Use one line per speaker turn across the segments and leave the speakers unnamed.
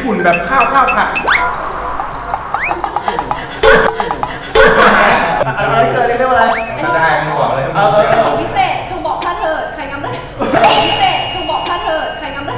ปุ่นแบบข้าวผัดอะไรเกิดเรียกว่าอะไร
ก็ได้มึงบอกเลย
กระจกพิเศษจงบอกข้าเถิดใครงำได้กระจกพิเศษจงบอกข้าเถิดใครงำได้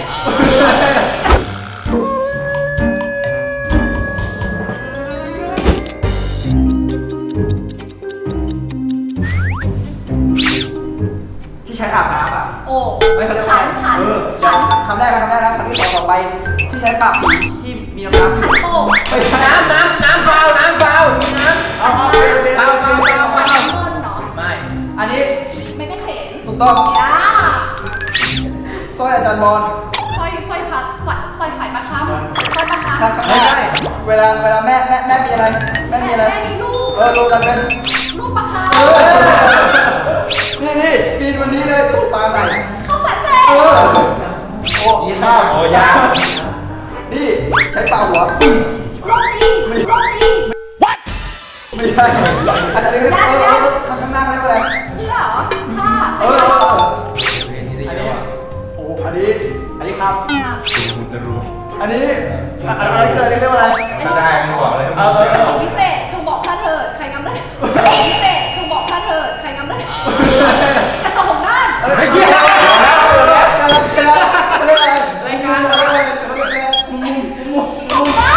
ที่ใช้อาบน้ำอ่ะ
โอ้
ไม่เขาเรียกว่า
ขัน
คำแรกนะคำที่ต่อไปที่ใช้ปากผีที่มีน้ำ
ขันโต
ไม่ใช่
น้ำเปล่ามีน้ำ
เอา
เงินเนาะ
ไม่
อันนี้
ไม่ได้เห็น
ถูกต้อง
ย่า
สร้อยอาจารย์บอล
สร้อยพัดสร้อยไข่ปลาคำสร้อยปลาคำ
ไม่ใช่เวลาแม่มีอะไรแม่มีอะไร
แม่มีลูก
รวมกันเป็น
ลูกปลาคำ
นี่ปีนวันนี้เลยตู้ปลาใส่
เข้าสันเซ
โอ้ยข้าวโอ้ยานี่ใช้ปลาหัว
โรตีไม่
ใช่อันนี้ข้างหน้าเรียกว่าอะไร
เสื้อเหรอผ้า
เห็นที่ดี
อัน
แล้ว
นี้
อ่ะ
โอ้อันนี้ครับ
คุณจะรู้
อันนี้อะไรเกิดเรียกว่าอะไร
ก็ได้มึงบอกเลย
กระจกพิเศษจงบอกข้าเถิดใครงำได้กระจกพิเศษจงบอกข้าเถิดใครงำได้กระจกของด้าน
ไม่เกี่ยวแล้วเรียกอะไรรายการอะไร
ของด้าน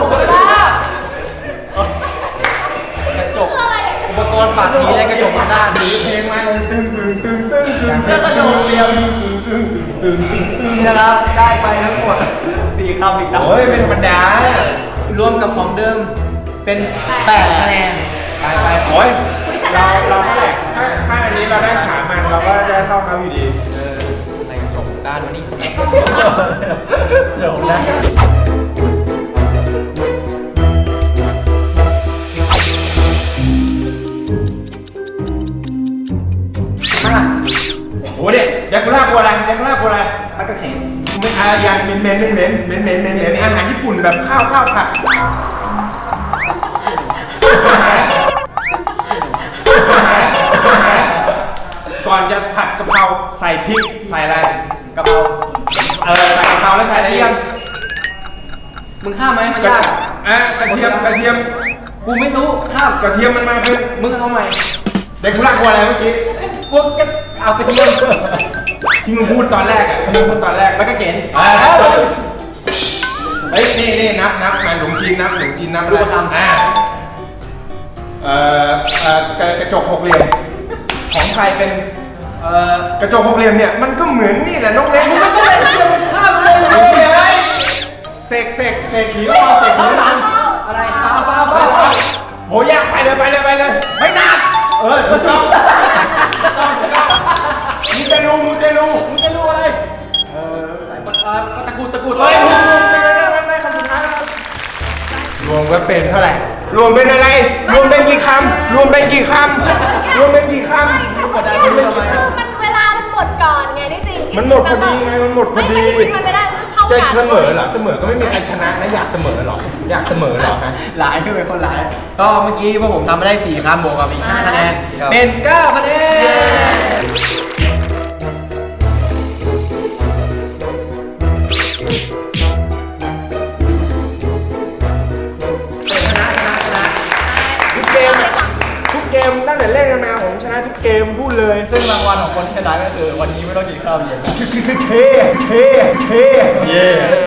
กระจก
คืออะไร
อุปกรณ์ปากผีและกระจกทางด้านนี้
เพลงมาตึ้งแล้วก็โดนเรียวตึ้ง
นะครับได้ไปทั้งหมด4 คำอีกนะ
โอ้ยเป็นธรรมดาร
วมกับของเดิมเป็น8คะแนนไป
โอ้ยเราเท่าไหร่ถ้าอันนี้เราได้3 มันเราก็ได้เท่าเขาอยู่ดี
ในกระจกด้านวันนี้
เดี๋ยวนะ
โอ้เด็กยากุล่าโบราณยากุล่าโบราณ
มันก็เข็น
ไม่อาอย่างเหม็นอาหารญี่ปุ่นแบบข้าวผัดก่อนจะผัดกะเพราใส่พริกใส่อะไร
กะเพรา
ใส่กะเพราแล้วใส่อะไรยัง
มึงข้ามไหมมันยาก
กระเทียม
กูไม่รู้ข้าม
กระเทียมมันมาเป็น
มึงเอาใหม่
เด็กกุล่าโบราณเมื่อกี้
พวกก็เอากระเทียม
ที่มึงพูดตอนแรกมึงพูดตอนแรก
แล้วก็เข็น
เฮ้ยนี่นับมาหนุ่มจีนนับ
รูปธรรม
กระจกหกเหลี่ยมของไทยเป็นกระจกหกเหลี่ยมเนี่ยมันก็เหมือนนี่แหละน้องเล็กมันก็เลยข้ามเลยเสกผีรอเสกผีรอ
อะไรฟ้า
โหยากไปเลยไม่นานถูกต้องมึงจะรู้อะไร
ใส่ตะกูด
เฮ้ยได้คำสุดท้ายแล้วรวมก็เป็นเท่าไหร่รวมเป็นอะไรรวมเป็นกี่คำ
ไม่ใช่คนเดียวมันเวลามันหมดก่อนไงที่จริง
มันหมดพอดีไงมันหมดพอดี
ไม่จริงมันไม่ได้เท่า
จะ
กัน
เสมอเหรอเสมอก็ไม่มีใครชนะนะอยากเสมอเหรอฮะ
หลายคือเป็นคนหลายก็เมื่อกี้พวกผมทำมาได้4คำบวกกับอีก5คะแนนเป็น9คะแนน
ทุกเกมตั้งแต่เล่นกันมาผมชนะทุกเกมพูดเลย
ซึ่งรางวัลของคนที่ชนะก็คือวันนี้ไม่ต้องกินข้าวเย็น
เท่เย่